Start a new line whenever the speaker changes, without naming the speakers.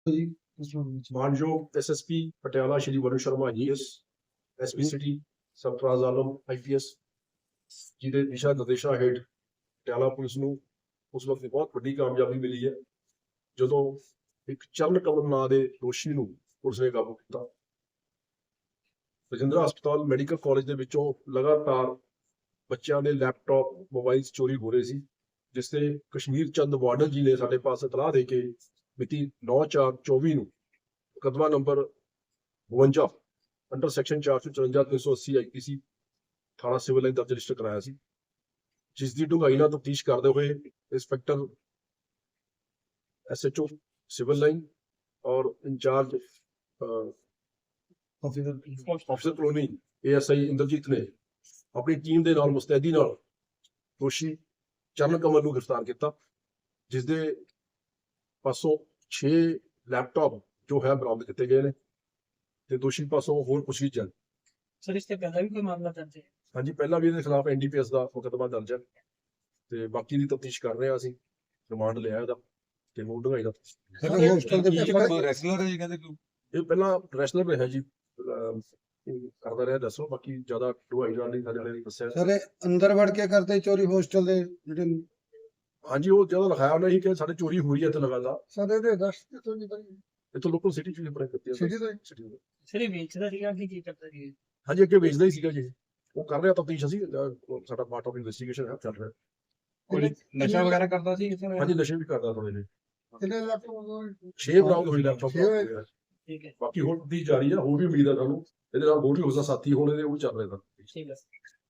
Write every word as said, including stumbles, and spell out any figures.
ਮਾਨਯੋਗ S S P Patiala Shri Varun Sharma I A S, S P city Sarfaraz Alam I P S ji ਦੇ ਦਿਸ਼ਾ ਨਿਰਦੇਸ਼ਾਂ ਹੇਠ ਪਟਿਆਲਾ ਪੁਲਿਸ ਨੂੰ ਉਸ ਵਕਤ ਬਹੁਤ ਵੱਡੀ ਕਾਮਯਾਬੀ ਮਿਲੀ ਹੈ ਜਦੋਂ ਇੱਕ ਚਰਨ ਕਮਲ ਨਾਂ ਦੇ ਦੋਸ਼ੀ ਨੂੰ ਪੁਲਿਸ ਨੇ ਕਾਬੂ ਕੀਤਾ। ਰਜਿੰਦਰਾ ਹਸਪਤਾਲ ਮੈਡੀਕਲ ਕਾਲਜ ਦੇ ਵਿੱਚੋਂ ਲਗਾਤਾਰ ਬੱਚਿਆਂ ਦੇ ਲੈਪਟਾਪ ਮੋਬਾਈਲ ਚੋਰੀ ਹੋ ਰਹੇ ਸੀ, ਜਿਸ ਤੇ ਕਸ਼ਮੀਰ ਚੰਦ ਵਾਰਡਨ ਜੀ ਨੇ ਸਾਡੇ ਪਾਸ ਇਤਲਾਹ ਦੇ ਕੇ ਮਿਤੀ ਨੌ ਚਾਰ ਚੌਵੀ ਨੂੰ ਮੁਕੱਦਮਾ ਨੰਬਰ ਬਵੰਜਾ ਅੰਡਰ ਸੈਕਸ਼ਨ ਚਾਰ ਸੌ ਚੁਰੰਜਾ ਤਿੰਨ ਸੌ ਅੱਸੀ ਆਈ ਪੀ ਸੀ ਥਾਣਾ ਸਿਵਲ ਲਾਈਨ ਦਰਜ ਰਜਿਸਟਰ ਕਰਾਇਆ ਸੀ, ਜਿਸ ਦੀ ਡੂੰਘਾਈ ਨਾਲ ਤਫਤੀਸ਼ ਕਰਦੇ ਹੋਏ inspector S H O civil line ਔਰ incharge officer colony A S I Inderjit ਨੇ ਆਪਣੀ ਟੀਮ ਦੇ ਨਾਲ ਮੁਸਤੈਦੀ ਨਾਲ ਦੋਸ਼ੀ ਚਰਨ ਕਮਲ ਨੂੰ ਗ੍ਰਿਫਤਾਰ ਕੀਤਾ, ਜਿਸ ਦੇ ਪਾਸੋਂ ਛੇ ਲੈਪਟਾਪ ਜੋ ਹੈ ਬਰਾਮਦ ਕੀਤੇ ਗਏ ਨੇ ਤੇ ਦੋਸ਼ੀ ਪਾਸੋਂ ਹੋਰ ਪੁੱਛਗਿੱਛ ਜਾਰੀ।
ਸਰ ਇਸ ਤੇ ਪਹਿਲਾਂ ਵੀ ਕੋਈ ਮਾਮਲਾ ਦਰਜ ਹੈ?
ਹਾਂਜੀ, ਪਹਿਲਾਂ ਵੀ ਇਹਦੇ ਖਿਲਾਫ ਐਨ ਡੀ ਪੀ ਐਸ ਦਾ ਮੁਕੱਦਮਾ ਦਰਜ ਹੈ ਤੇ ਬਾਕੀ ਦੀ ਤਫਤੀਸ਼ ਕਰ ਰਹੇ ਹਾਂ ਅਸੀਂ। ਰਿਮਾਂਡ ਲਿਆ ਇਹਦਾ ਤੇ ਮੂਡ ਢੰਗਾਈ ਦਾ
ਹੋਸਟਲ ਦੇ ਵਿੱਚ ਰੈਸਲਰ ਹੈ ਜੀ, ਕਹਿੰਦੇ ਕੋਈ
ਇਹ ਪਹਿਲਾਂ ਰੈਸਲਰ ਰਿਹਾ ਜੀ, ਕਰਦਾ ਰਿਹਾ। ਦੱਸੋ ਬਾਕੀ ਜ਼ਿਆਦਾ ਢੁਆਈ ਜਾਣ ਲਈ ਸਾਡੇ ਵਾਲੇ ਨੇ ਦੱਸਿਆ।
ਸਰ ਅੰਦਰ ਵੜ ਕੇ ਕਰਦੇ ਚੋਰੀ ਹੋਸਟਲ ਦੇ ਜਿਹੜੇ?
ਹਾਂਜੀ, ਉਹ ਜਦੋਂ ਲਿਖਾਇਆ ਉਹਨੇ ਹੀ ਕਿ ਸਾਡੇ ਚੋਰੀ ਹੋਈ ਹੈ ਇੱਥੇ ਲਗਾਤਾਰ।
ਸਰ ਇਹਦੇ ਦਸ ਤੋਂ ਨਹੀਂ ਬਣੀ
ਇੱਥੋਂ ਲੋਕਲ ਸਿਟੀ ਚ ਬ੍ਰੇਕ ਕੀਤੀ ਹੈ।
ਸਿਟੀ ਤੋਂ
ਸਿਟੀ ਤੋਂ
ਸਰ ਇਹ ਵੇਚਦਾ ਸੀਗਾ ਕਿ ਕੀ ਕਰਦਾ ਸੀ?
ਹਾਂਜੀ, ਅੱਗੇ ਵੇਚਦਾ ਹੀ ਸੀਗਾ ਜੀ। ਉਹ ਕਰ ਰਿਹਾ ਤਫਤੀਸ਼, ਅਸੀਂ ਸਾਡਾ ਪਾਰਟ ਆਫ ਇਨਵੈਸਟੀਗੇਸ਼ਨ ਹੈ, ਚੱਲ ਰਿਹਾ।
ਕੋਈ
ਨਸ਼ਾ ਵਗੈਰਾ ਕਰਦਾ ਸੀ?
ਹਾਂਜੀ, ਨਸ਼ੇ ਵੀ ਕਰਦਾ ਥੋੜੇ ਜਿਹੇ।
ਕਿੰਨੇ ਲੈਪਟਾਪ?
ਛੇ ਬਰਾਮਦ ਹੋਈ ਲੈਪਟਾਪ।
ਠੀਕ ਹੈ,
ਬਾਕੀ ਹੋਰ ਦੀ ਜਾਰੀ ਆ, ਹੋਰ ਵੀ ਉਮੀਦ ਆ ਸਾਨੂੰ ਇਹਦੇ ਨਾਲ ਹੋਰ ਵੀ ਹੋ ਸਕਦਾ ਸਾਥੀ ਹੋਣ ਇਹਦੇ, ਉਹ ਚੱਲ ਰਿਹਾ।
ਠੀਕ ਹੈ।